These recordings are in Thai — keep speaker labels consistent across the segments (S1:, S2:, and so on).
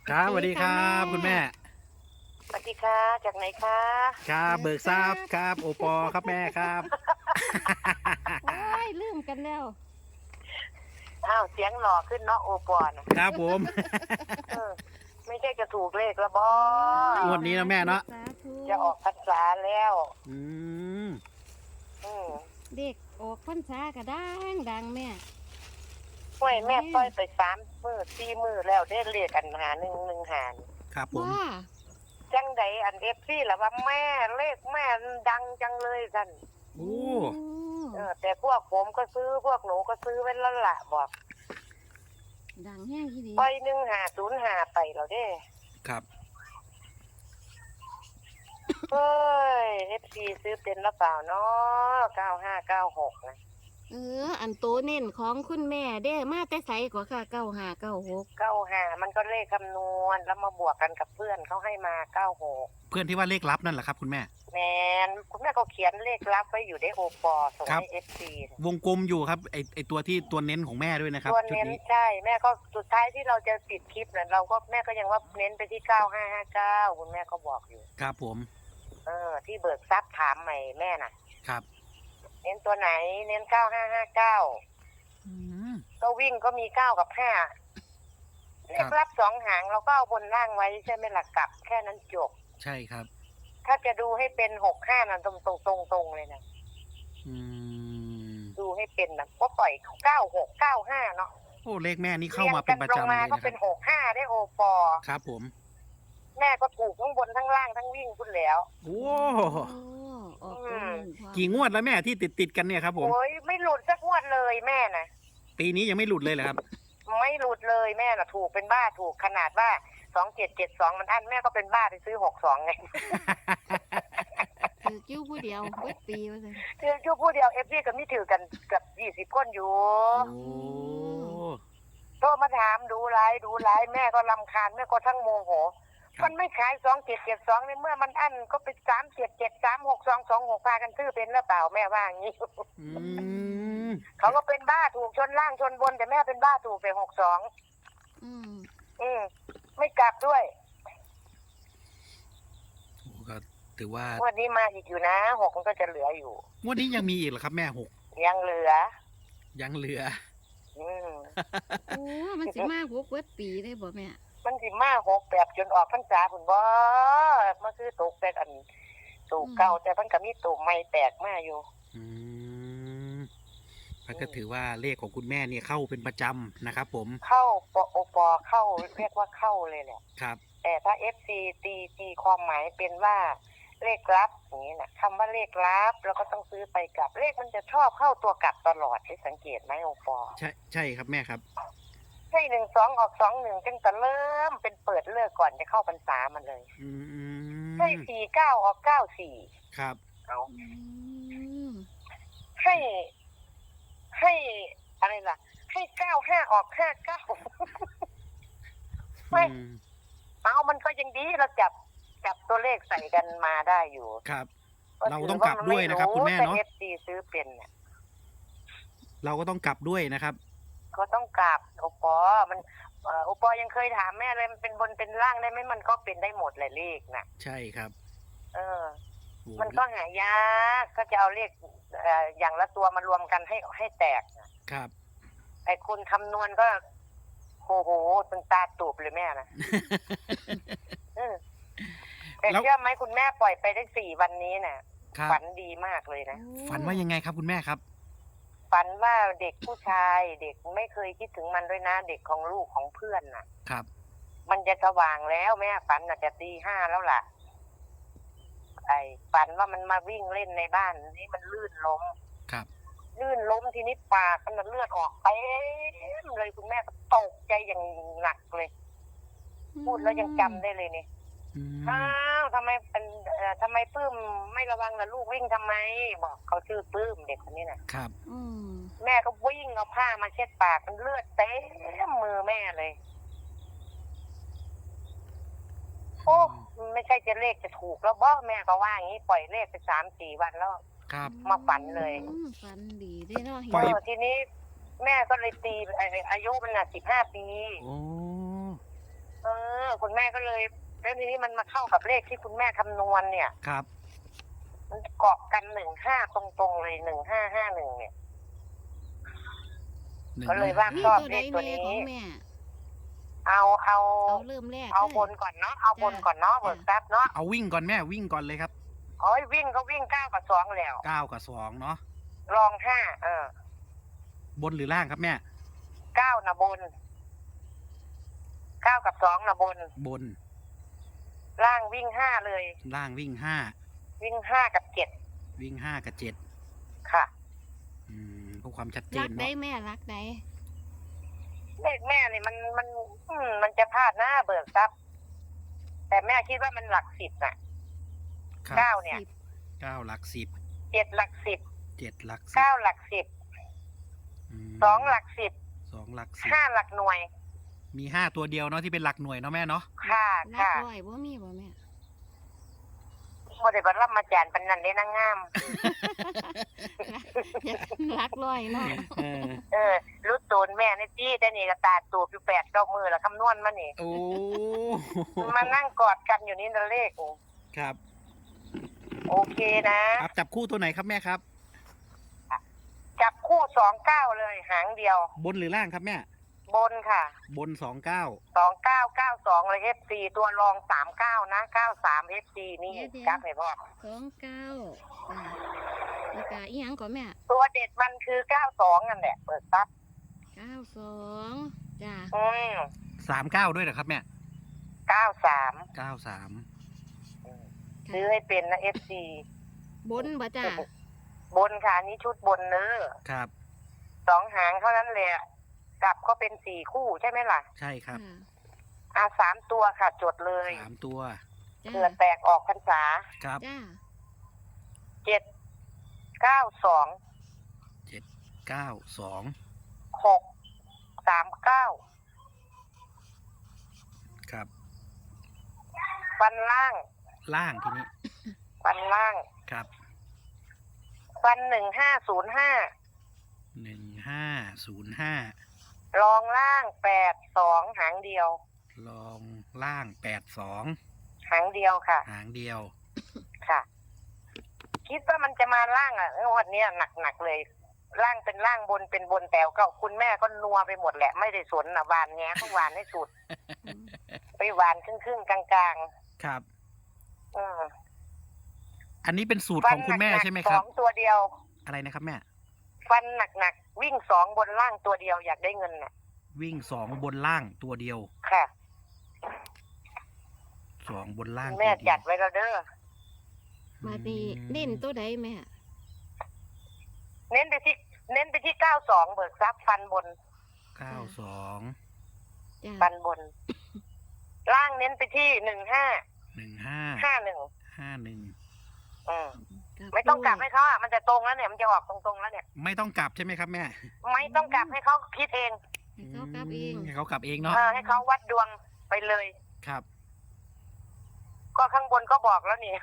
S1: ครับสวัสดีครับคุณแม่
S2: สวัสดีค่ะจากไหนคะ
S1: ครับเบิกทราบครับโอปอครับแม่ครับ
S3: โอ้ยลืมกันแล้ว
S2: อ้าวเสียงหล่อขึ้นเนาะโอปอน
S1: ครับผม
S2: เออไม่ใช่จะถูกเลขละบอ
S1: งวดนี้นะแม่เนาะ
S3: สาธุ
S2: จะออกพรรษาแล้ว
S1: อืม
S2: อืม
S3: เด็กออกพรรษาก็ดังแม่
S2: ห้วยแม่ปล่อยไป3 มื้อ 4 มื้อแล้วได้เลขอันหา1 1 หา
S1: ครับผม
S3: ว่า
S2: จังใดอันเอฟซี่ล่ะว่าแม่เลขแม่ดังจังเลยท่าน
S1: โอ้
S2: แต่พวกผมก็ซื้อพวกหนูก็ซื้อไว้แล้วล่ะบอก
S3: ดังแห้งที่ดี
S2: ปล่อย1 5 0 5ไปแล้วเด้
S1: ครับ
S2: เฮ้ยเอฟซีซื้อเป็นหรือเปล่าเนาะ9596นะ
S3: อันโตเน้นของคุณแม่เด้มาแต่ใสกว่าค่ะ9596
S2: 95มันก็เลขคำนวณแล้วมาบวกกันกับเพื่อนเขาให้มา96
S1: เพื่อนที่ว่าเลขลับนั่นแหละครับคุณแม่
S2: แมนคุณแม่ก็เขียนเลขลับไว้อยู่ในโอปอส่ง
S1: ครับ
S2: ให้เอฟซี
S1: วงกลมอยู่ครับไอตัวที่ตัวเน้นของแม่ด้วยนะครับ
S2: ตัว
S1: ชุด
S2: เน้น
S1: นี้
S2: ใช่แม่ก็สุดท้ายที่เราจะปิดคลิปเนี่ยเราก็แม่ก็ยังว่าเน้นไปที่9559คุณแม่ก็บอกอยู่
S1: ครับผม
S2: ที่เบิกทรัพย์ถามใหม่แม่น่ะ
S1: ครับ
S2: เน้นตัวไหนเน้น9559
S1: อืม
S2: ก็วิ่งก็มี9 กับ 5เลขลับ2 หางเราก็เอาบนล่างไว้ใช่ไหมล่ะกลับแค่นั้นจบ
S1: ใช่ครับ
S2: ถ้าจะดูให้เป็น65นั่นตรงเลยนะ
S1: อืม
S2: ดูให้เป็นนะก็ปล่อย9695เนาะ
S1: โอ้เลขแม่นี่เข้ามาเป็นประจำเลย
S2: รียงกัลงมา
S1: นะ
S2: ก็
S1: ค
S2: เป็
S1: รับ
S2: น65ได้โอปอ
S1: ครับผม
S2: แม่ก็ถูกทั้งบนทั้งล่างทั้งวิ่งคุณแล้ว
S1: โอ้
S3: โอ้ออกตัวเน้นพร้อม
S1: กี่งวดแล้วแม่ที่ติดกันเนี่ยครับผม
S2: โอ้ยไม่หลุดสักงวดเลยแม่นะ
S1: ปีนี้ยังไม่หลุดเลยเหรอครับ
S2: ไม่หลุดเลยแม่น่ะถูกเป็นบ้าถูกขนาดว่า2772มันอันแม่ก็เป็นบ้าไปซื้อ62ไง
S3: ถือกิ้วผู้เดียวเบิดปีว่าซั่น
S2: คือชั่วผู้เดียวเอฟซีก็มีถือกันกับ20 คนอยู่
S1: โอ้
S2: โทรมาถามดูไลฟ์แม่ก็รำคาญแม่ก็ทั้งโมโห มันไม่ขาย2772ในเมื่อมันอันก็เป็น37736226พากันซื้อเป็นหรือเปล่าแม่ว่าอย่างนี้
S1: อืม
S2: เขาก็เป็นบ้าถูกชนล่างชนบนแต่แม่เป็นบ้าถูกไป62
S3: อืม
S2: ไม่กลับด้วย
S1: โอ้ก็ถือว่า
S2: วันนี้มาอีกอยู่นะ6มันก็จะเหลืออยู่
S1: งวดนี้ยังมีอีกเหรอครับแม่หก
S2: ยังเหลือ
S1: ยังเหลือ
S2: อืม
S3: โอ้มันสิมา6เบิดปีได้บ่แม่
S2: มันสิมา6แบบจนออกพรรษาพุ่นบ่มันคือตกแต่อันตูกเก่าแต่มันก็มีตูกใหม่แตกมาอยู่
S1: อืมแล้วก็ถือว่าเลขของคุณแม่เนี่ยเข้าเป็นประจำนะครับผม
S2: เข้าโอปอเข้าเรียกว่าเข้าเลยแหละ
S1: ครับ
S2: แต่ถ้า FC ตีความหมายเป็นว่าเลขลับอย่างนี้นะคำว่าเลขลับแล้วก็ต้องซื้อไปกลับเลขมันจะชอบเข้าตัวกลับตลอดได้สังเกตไหมโอปอ
S1: ใช่ครับแม่ครับ
S2: ใช่12ออก21จังแต่เริ่มเป็นเปิดเลิกก่อนจะเข้าพรรษามันเลย
S1: อืม
S2: ใช่49ออก94
S1: ครับ
S2: เอา
S3: อืม
S2: ให้อะไรล่ะ ให้95ออก59
S1: อืม
S2: เอามันก็ยังดีเราจับตัวเลขใส่กันมาได้อยู่
S1: ครับ เราต้องกลับด้วยนะครับคุณแม่เนาะ
S2: แต่ FC ซื้อเป็นเนี่ย
S1: เราก็ต้องกลับด้วยนะครับ
S2: ก็ต้องกลับโอปอมันโอปอยังเคยถามแม่เลยมันเป็นบนเป็นล่างได้ไหมมันก็เป็นได้หมดเลยเลขน่ะ
S1: ใช่ครับ
S2: เออ
S1: โอ้
S2: มันก็หายากก็จะเอาเลขอย่างละตัวมารวมกันให้แตกน่ะ
S1: ครับ
S2: ไอ้คุณคำนวณก็โอ้โหตึงตาตูบเลยแม่นะ เออแต่
S1: แล้ว
S2: เชื่อไหมคุณแม่ปล่อยไปได้4 วันนี้น่ะ
S1: ครับ
S2: ฝันดีมากเลยนะ
S1: ฝันว่ายังไงครับคุณแม่ครับ
S2: ฝันว่าเด็กผู้ชายเด็กไม่เคยคิดถึงมันด้วยนะ เด็กของลูกของเพื่อนน่ะ
S1: ครับ
S2: มันจะสว่างแล้วแม่ฝันน่ะจะตี 5แล้วล่ะ ไอ้ฝันว่ามันมาวิ่งเล่นในบ้านนี่มันลื่นล้ม
S1: ครับ
S2: ลื่นล้มทีนี้ปากมันเลือดออกเต็มเลยคุณแม่ก็ตกใจอย่างหนักเลย พูดแล้วยังจำได้เลยนี่
S1: อืม
S2: อ้าวทำไมทำไมปื้มไม่ระวังล่ะลูกวิ่งทำไม บอกเขาชื่อปื้มเด็กคนนี้น่ะ
S1: ครับ
S3: อืม
S2: แม่ก็วิ่งเอาผ้ามาเช็ดปากมันเลือดเต็มมือแม่เลย โอ้ไม่ใช่จะเลขจะถูกแล้วบ่แม่ก็ว่าอย่างนี้ปล่อยเลขไป3-4 วันแล้ว
S1: ครับ
S2: มาฝันเลย
S3: ฝันดีได้เนาะเห็น
S1: ปล่อย
S2: ทีนี้แม่ก็เลยตีอายุมันน่ะ15 ปี
S1: โอ้
S2: คุณแม่ก็เลยแล้วทีนี้มันมาเข้ากับเลขที่คุณแม่คำนวณเนี่ย
S1: ครับ
S2: มันเกาะกัน15ตรงๆเลย1551เนี่ย
S1: หนึ่ง
S2: ก็เลยว่า
S3: มี
S2: ชอบ
S3: ตัว
S2: เล
S3: ใด
S2: ขตัว
S3: แม่
S2: นี้
S3: ของแม่
S2: เอา
S3: เอาเริ่มแรก
S2: เอา
S3: เลย
S2: บนก่อนเนาะเอาบนก่อนเนาะเบิกทรัพย์เนาะ
S1: เอาวิ่งก่อนแม่วิ่งก่อนเลยครับ
S2: โอ้ยวิ่งก็วิ่ง9กับ2แล้ว
S1: 9 กับ 2เนาะ
S2: รอง5
S1: บนหรือล่างครับแม่
S2: 9นะบน9กับ2นะบน
S1: บน
S2: ล่างวิ่ง5เลย
S1: ล่างวิ่ง
S2: วิ่ง5กับ
S1: 5วิ่ง5กับ7
S2: 7ค่ะ
S1: เพื่อความชัดเจ
S3: รั
S1: น
S3: กได้
S1: เนาะ
S3: แม่รักได้
S2: เลขแม่นี่มันจะพลาดหน้าเบิกทรัพย์แต่แม่คิดว่ามันหลัก10น่ะ
S1: ครับ
S2: 9เนี่ย
S1: 9หลัก10
S2: 7หลัก10
S1: 7หลัก
S2: 9หลัก10
S1: 10
S2: 2หลัก10
S1: 2หลัก
S2: 5หลักหน่วย
S1: 10มี5ตัวเดียวเนาะที่เป็นหลักหน่วยเนาะแม่เนาะ
S2: ค่ะ
S3: รัก
S2: ค่ะ
S3: ร้อยบ่มีบ่แม่
S2: โมเดลบัลลัมมาจานปันนันได้นางงาม
S3: อยากรักร้อยเนาะ
S2: รู้ตูนแม่นี่จี้แต่นี่ก็ตาตูบอยู่8-9มือแล้วคำนวณมานี่
S1: โอ้
S2: มานั่งกอดกันอยู่นี่นั่นเลข
S1: ครับ
S2: โอเคนะครับ
S1: จับคู่ตัวไหนครับแม่ครับ
S2: จับคู่29เลยหางเดียว
S1: บนหรือล่างครับแม่
S2: บนค่ะ
S1: บน 29
S2: 2992เลย FC ตัวรอง39นะ93 FC นี่กราฟให้พ่อ
S3: 29แล้วก็อีหยังก่อนแม่
S2: ตัวเด็ดมันคือ92นั่นแหละเปิดซับ
S3: 92จ้า
S1: 39ด้วยเหรอครับแม่
S2: 93
S1: 93
S2: ซื้อให้เป็นนะ FC
S3: บนบ่จ้า
S2: บนค่ะอันนี้ชุดบนเนื้อ
S1: ครับ
S2: 2 หางเท่านั้นเลยกลับก็เป็น4คู่ใช่ไหมล่ะ
S1: ใช่ครับ
S2: 3 ตัวค่ะจดเลย
S1: 3ตัว
S3: จ้า
S2: เผื่อแตกออกพรรษา
S1: ครับ
S3: จ้า
S2: 792
S1: 792
S2: 639
S1: ครับ
S2: ฟันล่าง
S1: ล่างทีนี้
S2: ฟันล่าง
S1: ครับ
S2: ฟัน1505
S1: 1505
S2: รองล่าง82หางเดียว
S1: ลองล่าง82
S2: หางเดียวค่ะ
S1: หางเดียว
S2: ค่ะ คิดว่ามันจะมาล่างงวดนี้หนักเลย ล่างเป็นล่างบนเป็นบนแต่ก็คุณแม่ก็นัวไปหมดแหละไม่ได้สนนะหวานแง้ก็หวานให้สุด ไปหวานครึ่งๆกลาง
S1: ครับ
S2: ๆ
S1: อันนี้เป็นสูตรของคุณแม่ใช่ไหมครับ
S2: 2ตัวเดียว
S1: อะไรนะครับแม่
S2: ฟันหนักๆวิ่ง2บนล่างตัวเดียวอยากได้เงินน่ะ
S1: วิ่ง2บนล่างตัวเดียว
S2: ค่ะ
S1: 2บนล่าง
S2: แม่
S1: ตัวเดียว
S2: จัดไว้แล้วเด้อ
S3: มาดีเน้นตัวใดแม่
S2: เน้นไปที่92เบิกทรัพย์ฟันบน
S1: 92
S3: จ้า
S2: ฟันบน ล่างเน้นไปที่15
S1: 15
S2: 51
S1: 51
S2: ไม่ต้องกลับให้เขามันจะตรงแล้วเนี่ยมันจะออกตรงๆแล้วเนี่ย
S1: ไม่ต้องกลับใช่ไหมครับแม่
S2: ไม่ต้องกลับให้เขาคิดเอง
S3: ให้เขากลับเอง
S1: ให้เขากลับเองเนาะ
S2: ให้เขาวัดดวงไปเลย
S1: ครับ
S2: ก็ข้างบนก็บอกแล้วนี่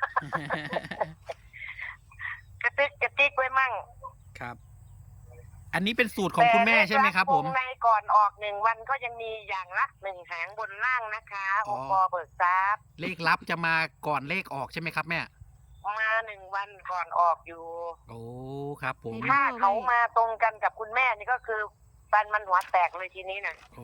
S2: กระติกไว้มั่ง
S1: ครับ อันนี้เป็นสูตรของคุณแม่ใช่ไหมครับผม
S2: วงในก่อนออก1 วันก็ยังมีอย่างละ1หางบนล่างนะคะองค์กรเบิกทรัพย์
S1: เลขลับจะมาก่อนเลขออกใช่ไหมครับแม่
S2: มา1 วันก่อนออกอยู่
S1: โอ้ครับผม
S2: ถ้าเขามาตรงกันกับคุณแม่นี่ก็คือฟันมันหัวแตกเลยทีนี้นะ
S1: โอ้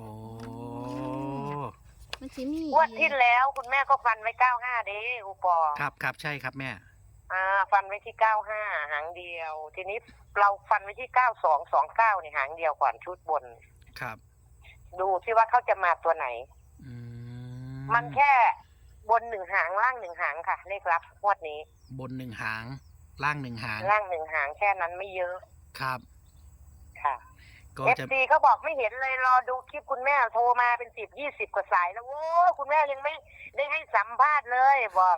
S3: มันสิมี
S2: งวดที่แล้วคุณแม่ก็ฟันไว้95เด้อุปอ
S1: ครับครับใช่ครับแม่
S2: ฟันไว้ที่95หางเดียว ทีนี้เราฟันไว้ที่9229นี่หางเดียวก่อนชุดบน
S1: ครับ
S2: ดูที่ว่าเขาจะมาตัวไหน
S1: อื
S2: มันแค่บน1 หางล่าง1 หางค่ะเลขลับงวดนี้
S1: บน1 หาง ล่าง1 หาง
S2: ล่าง1 หางแค่นั้นไม่เยอะ
S1: ครับ
S2: ค่ะ
S1: ก็จะ
S2: FC เขาบอกไม่เห็นเลยรอดูคลิปคุณแม่โทรมาเป็น10-20กว่าสายแล้วโอ้คุณแม่ยังไม่ได้ให้สัมภาษณ์เลยบอก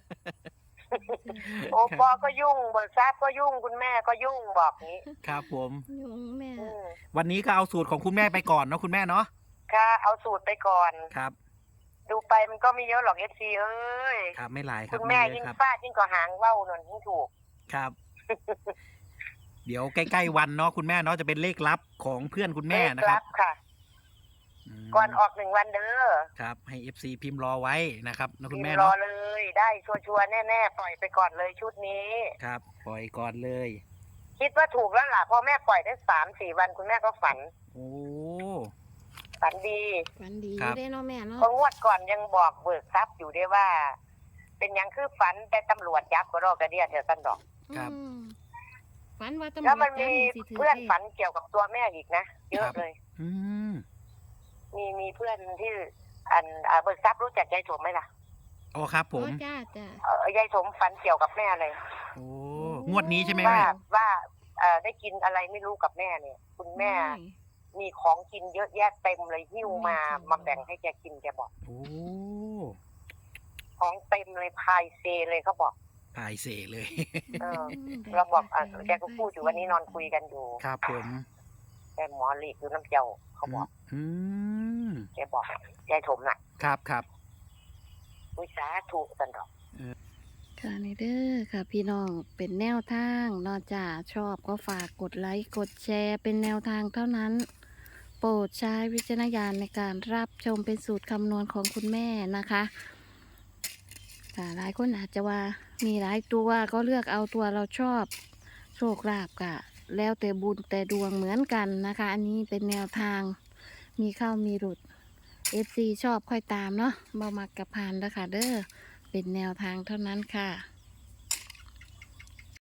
S2: โอปอก็ยุ่งเบิกทรัพย์ก็ยุ่งคุณแม่ก็ยุ่งบอกนี้
S1: ครับผม
S3: ยุงแม่
S1: วันนี้ก็เอาสูตรของคุณแม่ไปก่อนเนาะคุณแม่เนาะ
S2: ค่ะเอาสูตรไปก่อน
S1: ครับ
S2: ดูไปมันก็ไม่เยอะหรอก FC เอ้ย
S1: ครับไม่หลายครั
S2: คุ
S1: บ
S2: ณแม่
S1: ไเย
S2: ยิ่ง
S1: อะครับ
S2: ฟาดยิ่งกว่าหางว่าวหนนยิ่งถูก
S1: ครับ เดี๋ยวใกล้ๆวันเนาะคุณแม่เนาะจะเป็นเลขลับของเพื่อนคุณแม่นะครับ
S2: ค่ะ
S1: อื
S2: ก่อนออก1 วันเด้อ
S1: ครับให้ FC พิมพ์รอไว้นะครับนะคุณ
S2: พิม
S1: แม่
S2: พ์รอ
S1: เนาะ
S2: เลยได้ชัวร์ๆแน่ๆปล่อยไปก่อนเลยชุดนี้
S1: ครับปล่อยก่อนเลย
S2: คิดว่าถูกแล้วล่ะพอแม่ปล่อยได้3-4 วันคุณแม่ก็ฝัน
S1: โอ้
S2: ฝันดี
S3: ฝันดี
S1: ครับ
S3: ได้เนาะแม่เนาะ
S2: เพองวดก่อนยังบอกเบิกทรัพย์อยู่ด้วยว่า เป็นหยังคือฝันแต่ตำรวจยับก็รอกระเดียเถอะตันดอก
S1: ครับ
S3: อืมฝันว่าตำรวจ
S2: แล้วมันมี
S3: จับสิถื
S2: เพื่อน
S3: ลข
S2: ฝันเกี่ยวกับตัวแม่อีกนะเยอะเลย
S1: อืม
S2: มีเพื่อนที่เบิกทรัพย์รู้จักยายสมไหมล่ะ
S1: อ๋อครับผม
S3: อ๋อจ้าจ้าย
S2: ายสมฝันเกี่ยวกับแม่เลย
S1: โอ้งวดนี้ใช่ไหม
S2: ว่า
S1: แม่
S2: ว่าได้กินอะไรไม่รู้กับแม่เนี่ย คุณแม่ มีของกินเยอะแยะเต็มเลยหิ้วมาแบ่งให้แกกินแกบอก
S1: โอ้
S2: ของเต็มเลยพายเซเลยเขาบอก
S1: พายเสเลย
S2: เออ เราบอกแกก็พูดอยู่วันนี้นอนคุยกันอยู่
S1: ครับผม
S2: แกหมอหลีกอยู่น้ำเจ้าเขาบอก
S1: อืม
S2: แกบอกยายถมน่ะ
S1: ครับครับ
S2: วิสาถูกสันดอก
S3: ค่ะนี่เด้อค่ะ พี่น้องเป็นแนวทางนอกจากชอบก็ฝากกดไลค์กดแชร์เป็นแนวทางเท่านั้น โปรดใช้วิจารณญาณในการรับชมเป็นสูตรคำนวณของคุณแม่นะคะค่ะหลายคนอาจจะว่ามีหลายตัวก็เลือกเอาตัวเราชอบโชคลาภกะ แล้วแต่บุญแต่ดวงเหมือนกันนะคะ อันนี้เป็นแนวทางมีเข้ามีหลุด FC ชอบค่อยตามเนาะบ่มักกับพานแล้วค่ะเด้อเป็นแนวทางเท่านั้นค่ะ